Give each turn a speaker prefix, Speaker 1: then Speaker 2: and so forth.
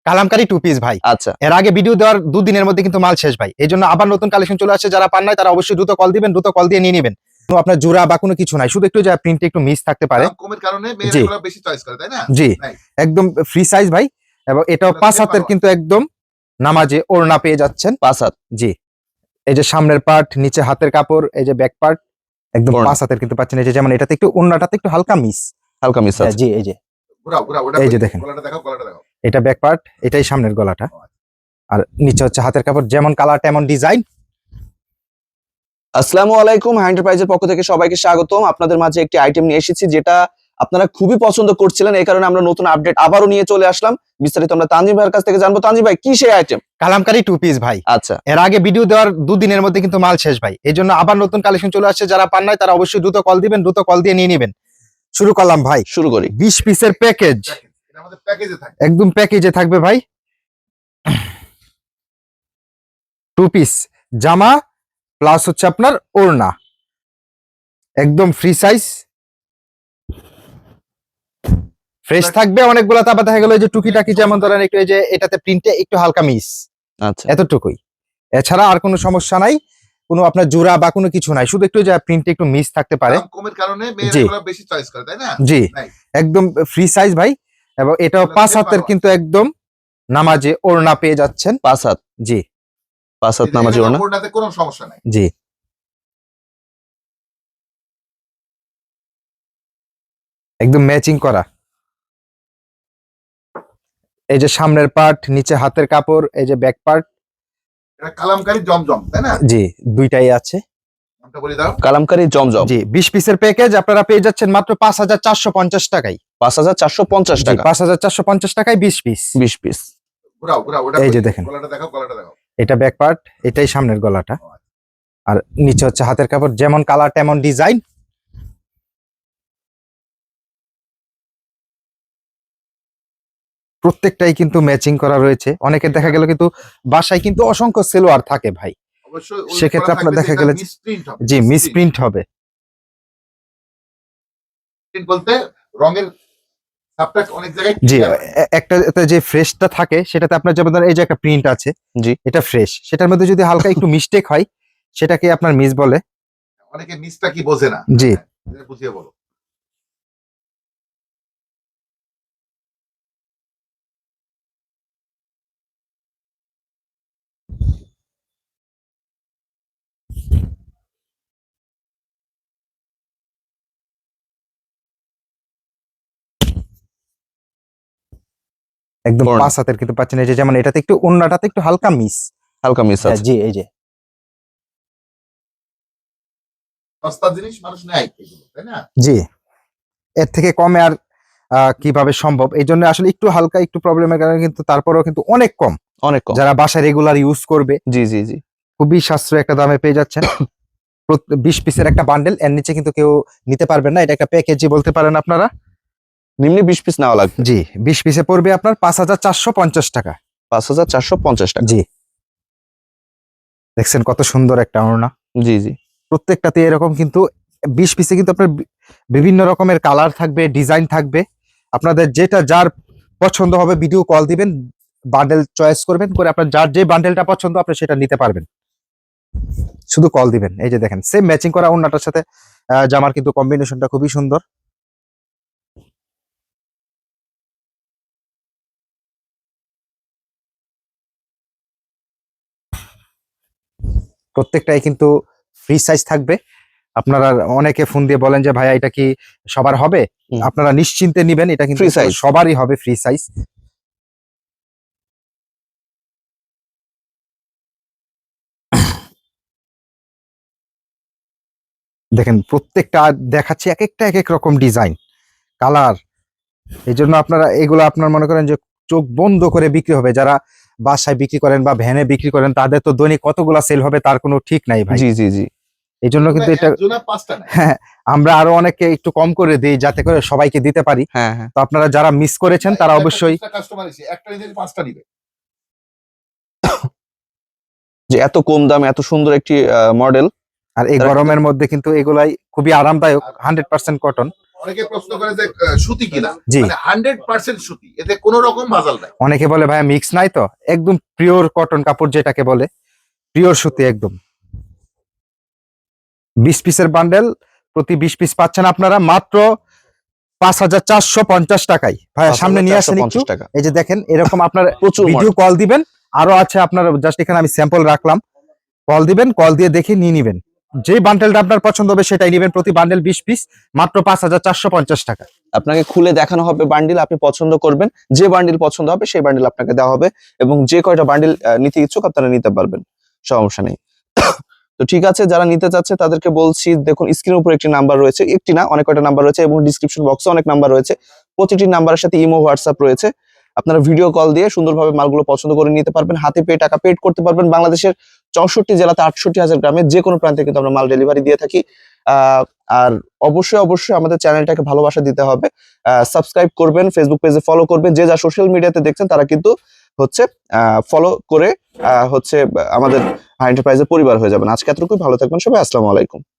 Speaker 1: Kalamkari two piece ভাই।
Speaker 2: আচ্ছা
Speaker 1: এর আগে ভিডিও দেওয়ার দুদিনের মধ্যে কিন্তু মাল শেষ ভাই, এই জন্য আবার নতুন কালেকশন চলে আসছে। যারা পান নাই তারা অবশ্যই দ্রুত কল দিবেন, দ্রুত কল দিয়ে নিয়ে নেবেন। আপনার জোড়া বা কোনো কিছু নাই, শুধু একটু যা প্রিন্টে একটু মিস থাকতে পারে।
Speaker 3: দাম কমের কারণে মেয়েরা
Speaker 1: জি।
Speaker 3: এগুলো বেশি চয়েস করে, তাই না?
Speaker 1: জি
Speaker 3: তাই।
Speaker 1: একদম ফ্রি সাইজ ভাই, এবং এটাও
Speaker 3: এগুলো
Speaker 1: 5
Speaker 3: same
Speaker 1: হাতের
Speaker 3: মাল।
Speaker 1: কিন্তু একদম নামাজে ওড়না পেয়ে যাচ্ছেন।
Speaker 2: 5 হাত
Speaker 1: জি, এই যে সামনের পার্ট, নিচে হাতের কাপড়, এই যে ব্যাক পার্ট একদম
Speaker 2: ওড়না।
Speaker 1: 5 হাতের কিন্তু পাচ্ছেন। এই যে যেমন এটাতে একটু ওড়নাটাতে একটু হালকা মিস।
Speaker 2: হালকা মিস আছে।
Speaker 1: জি এই যে
Speaker 3: ঘোরাও ঘোরাও, ওটা
Speaker 1: এই যে
Speaker 3: কই?
Speaker 1: দেখেন।
Speaker 3: গলাটা দেখাও, গলাটা দেখাও।
Speaker 1: এটা ব্যাক পার্ট, এটাই সামনের গলাটা, আর নিচে হচ্ছে হাতের কাপড়, যেমন কালার তেমন ডিজাইন।
Speaker 2: আসসালামু আলাইকুম, এন্টারপ্রাইজের পক্ষ থেকে সবাইকে স্বাগতম। আপনাদের মাঝে একটি আইটেম নিয়ে এসেছি যেটা আপনারা খুবই পছন্দ করছিলেন, এই কারণে আমরা নতুন আপডেট আবারও নিয়ে চলে আসলাম। বিস্তারিত আমরা তানজিম ভাইয়ের কাছ থেকে জানবো। তানজিম ভাই, কি সেই আইটেম?
Speaker 1: কালামকারী টু পিস ভাই।
Speaker 2: আচ্ছা
Speaker 1: এর আগে ভিডিও দেওয়ার দুদিনের মধ্যে কিন্তু মাল শেষ ভাই, এই জন্য আবার নতুন কালেকশন চলে আসছে। যারা পান নাই তারা অবশ্যই দ্রুত কল দিবেন, দ্রুত কল দিয়ে নিয়ে নেবেন। শুরু করলাম ভাই,
Speaker 2: শুরু করি।
Speaker 1: 20 পিসের প্যাকেজ,
Speaker 3: এটা আমাদের প্যাকেজে থাকে।
Speaker 1: একদম প্যাকেজে থাকবে ভাই। টু পিস জামা প্লাস হচ্ছে আপনার ওড়না, একদম ফ্রি সাইজ, ফ্রেশ থাকবে অনেকগুলা। তারপর দেখা গেল যে টুকিটাকি, যেমন ধরেন একটু এই যে এটাতে প্রিন্টে একটু হালকা মিস,
Speaker 2: আচ্ছা
Speaker 1: এতটুকুই। এছাড়া আর কোনো সমস্যা নাই, কোনো আপনার জোড়া বা কোনো কিছু নাই, শুধু একটু যে প্রিন্টে একটু মিস থাকতে পারে।
Speaker 3: দাম কমের কারণে মেয়েরা
Speaker 1: জি।
Speaker 3: এগুলো বেশি চয়েস করে, তাই না?
Speaker 1: জি
Speaker 3: তাই।
Speaker 1: একদম ফ্রি সাইজ ভাই, এবং এটাও
Speaker 3: এগুলো
Speaker 1: 5
Speaker 3: same
Speaker 1: হাতের
Speaker 3: মাল।
Speaker 1: কিন্তু একদম নামাজে ওড়না পেয়ে যাচ্ছেন।
Speaker 2: 5 হাত,
Speaker 1: জি
Speaker 2: 5 হাত নামাজি ওড়না।
Speaker 3: ওড়নাতে কোনো সমস্যা নাই।
Speaker 1: জি, একদম ম্যাচিং করা। এই যে সামনের পার্ট, নিচে হাতের কাপড়, এই যে ব্যাক পার্ট।
Speaker 3: এটা কালামকারী জমজম, তাই না?
Speaker 1: জি দুইটাই আছে।
Speaker 3: নামটা বলে দাও।
Speaker 2: কালামকারী জমজম।
Speaker 1: জি 20 পিসের প্যাকেজ আপনারা পেয়ে যাচ্ছেন মাত্র 5450 টাকায়।
Speaker 2: 5450
Speaker 1: জি
Speaker 2: টাকা,
Speaker 1: 5450 টাকায় 20 পিস।
Speaker 2: 20 পিস।
Speaker 3: ঘোরাও ঘোরাও, ওটা
Speaker 1: এই
Speaker 3: কই?
Speaker 1: যে দেখেন।
Speaker 3: গলাটা দেখাও, গলাটা দেখাও।
Speaker 1: এটা ব্যাক পার্ট, এটাই সামনের গলাটা, আর নিচে হচ্ছে হাতের কাপড়, যেমন কালার তেমন ডিজাইন। প্রত্যেকটাই কিন্তু ম্যাচিং করা রয়েছে। অনেকের দেখা গেল কিন্তু বাসায় কিন্তু অসংখ্য সেলোয়ার থাকে ভাই,
Speaker 3: অবশ্যই উল্লেখ
Speaker 1: সেক্ষেত্রে
Speaker 3: করা
Speaker 1: আপনার
Speaker 3: থাকবে
Speaker 1: দেখা
Speaker 3: যে এটা
Speaker 1: গেলে
Speaker 3: misprint হবে।
Speaker 1: জি মিসপ্রিন্ট হবে।
Speaker 3: Misprint বলতে রঙের ছাপটা অনেক জায়গায়
Speaker 1: জি
Speaker 3: clear হয়।
Speaker 1: একটা যে ফ্রেশটা থাকে সেটাতে আপনার যেমন ধরেন এই যে একটা প্রিন্ট আছে,
Speaker 2: জি
Speaker 1: এটা ফ্রেশ, সেটার মধ্যে যদি হালকা একটু মিস্টেক হয় সেটাকে আপনার মিস বলে।
Speaker 3: অনেকে মিসটা কি বোঝে না।
Speaker 1: জি
Speaker 3: হ্যাঁ, এটা বুঝিয়ে বলো।
Speaker 1: একদম
Speaker 2: ওড়না।
Speaker 1: 5 হাতের কিন্তু পাচ্ছেন। এই যে যেমন এটাতে একটু ওড়নাটাতে একটু হালকা মিস।
Speaker 2: হালকা মিস আছে।
Speaker 1: জি এই যে
Speaker 3: সস্তার জিনিস মানুষ নেয় এগুলো, তাই না?
Speaker 1: জি, এর থেকে কমে আর কিভাবে সম্ভব, এই জন্য আসলে একটু হালকা একটু প্রবলেমের কারণে কিন্তু তারপরেও কিন্তু অনেক কম।
Speaker 2: অনেক কম।
Speaker 1: যারা বাসায় রেগুলার ইউজ করবে
Speaker 2: জি জি জি।
Speaker 1: খুবই সাশ্রয়ী একটা দামে পেয়ে যাচ্ছেন। 20 পিসের একটা বান্ডেল, এর নিচে কিন্তু কেউ নিতে পারবেন না, এটা একটা প্যাকেজই বলতে পারেন আপনারা।
Speaker 2: নিম্নে 20 পিস নেওয়া লাগবে।
Speaker 1: জি 20 পিসে পড়বে আপনার 5450 টাকা।
Speaker 2: 5450 টাকা।
Speaker 1: জি দেখছেন কত সুন্দর একটা ওড়না।
Speaker 2: জি জি।
Speaker 1: প্রত্যেকটাতে এরকম কিন্তু 20 পিসে কিন্তু আপনার বিভিন্ন রকমের কালার থাকবে, ডিজাইন থাকবে। আপনাদের যেটা যার পছন্দ হবে ভিডিও কল দিবেন, বান্ডেল চয়েস করবেন, করে আপনার যার যে বান্ডেলটা পছন্দ আপনি সেটা নিতে পারবেন, শুধু কল দিবেন। এই যে দেখেন সেম ম্যাচিং করা ওড়নাটার সাথে জামার কিন্তু কম্বিনেশনটা খুবই সুন্দর। প্রত্যেকটাই কিন্তু ফ্রি সাইজ থাকবে। আপনারা অনেকে ফোন দিয়ে বলেন যে ভাইয়া এটা কি সবার হবে,
Speaker 2: হুম।
Speaker 1: আপনারা নিশ্চিন্তে নিবেন, এটা কিন্তু
Speaker 2: Free size।
Speaker 1: সবারই হবে ফ্রি সাইজ। দেখেন প্রত্যেকটা দেখাচ্ছি এক একটা এক এক রকম ডিজাইন, কালার। এই জন্য আপনারা এগুলো আপনার মনে করেন যে চোখ বন্ধ করে বিক্রি হবে। যারা বাসায় বিক্রি করেন বা ভ্যানে বিক্রি করেন তাদের তো দৈনিক কতগুলা সেল হবে তার কোনো ঠিক নাই ভাই।
Speaker 2: জি জি জি।
Speaker 1: এই জন্য কিন্তু এটা
Speaker 3: একজনা 5টা নেয়।
Speaker 1: হ্যাঁ, আমরা আরো অনেককে একটু কম করে দিই যাতে করে সবাইকে দিতে পারি।
Speaker 2: হ্যাঁ হ্যাঁ।
Speaker 1: তো আপনারা যারা মিস করেছেন তারা অবশ্যই
Speaker 3: কাস্টমার এসে একটা নিলে 5টা নিবে।
Speaker 2: যে এত কম দামে এত সুন্দর একটি মডেল।
Speaker 1: আর এই
Speaker 2: তারা
Speaker 1: গরমের মধ্যে কিন্তু এগুলাই খুবই আরামদায়ক, 100% কটন।
Speaker 3: অনেকে প্রশ্ন করে যে সুতি কিনা,
Speaker 1: জি।
Speaker 3: মানে 100% সুতি, এতে কোনো রকম মাজাল নাই।
Speaker 1: অনেকে বলে ভাইয়া মিক্স নাই, তো একদম পিওর কটন কাপড় যেটাকে বলে, পিওর সুতি একদম। 20 পিসের বান্ডেল, প্রতি 20 পিস পাচ্ছেন আপনারা মাত্র 5,450 টাকায়। ভাইয়া সামনে নিয়ে আসেন একটু।
Speaker 2: 5,450 টাকা।
Speaker 1: এই যে দেখেন এরকম আপনার
Speaker 2: প্রচুর
Speaker 1: ভিডিও কল দিবেন, আরো আছে আপনার, জাস্ট এখানে আমি স্যাম্পল রাখলাম, কল দিবেন, কল দিয়ে দেখে নিয়ে নিবেন। যে বান্ডেলটা আপনার পছন্দ হবে সেটাই নেবেন, প্রতি বান্ডেল 20 পিস, মাত্র 5,450 টাকা।
Speaker 2: আপনাকে খুলে দেখানো হবে বান্ডিল, আপনি পছন্দ করবেন, যে বান্ডিল পছন্দ হবে সেই বান্ডিল আপনাকে দেওয়া হবে, এবং যে কয়টা বান্ডিল নিতে ইচ্ছুক আপনারা নিতে পারবেন, সমস্যা নেই। তো ঠিক আছে, যারা নিতে চাচ্ছে তাদেরকে বলছি, দেখুন স্ক্রিনের উপর একটি নাম্বার রয়েছে, একটি না অনেক কয়টা নাম্বার রয়েছে, এবং ডিসক্রিপশন বক্সে অনেক নাম্বার রয়েছে, প্রতিটি নাম্বারের সাথে ইমো হোয়াটসঅ্যাপ রয়েছে। আপনারা ভিডিও কল দিয়ে সুন্দরভাবে মালগুলো পছন্দ করে নিতে পারবেন, হাতে পেয়ে টাকা পেড করতে পারবেন। বাংলাদেশের 64 জেলাতে 68,000 গ্রামে যে কোনো প্রান্তে কিন্তু আমরা মাল ডেলিভারি দিয়ে থাকি। আর অবশ্যই আমাদের চ্যানেলটাকে ভালোবাসা দিতে হবে, সাবস্ক্রাইব করবেন, ফেসবুক পেজে ফলো করবেন, যে যা সোশ্যাল মিডিয়াতে দেখছেন তারা কিন্তু হচ্ছে ফলো করে হচ্ছে আমাদের হাই এন্টারপ্রাইজের পরিবার হয়ে যাবেন। আজকে এতটুকুই, ভালো থাকবেন সবাই, আসসালামু আলাইকুম।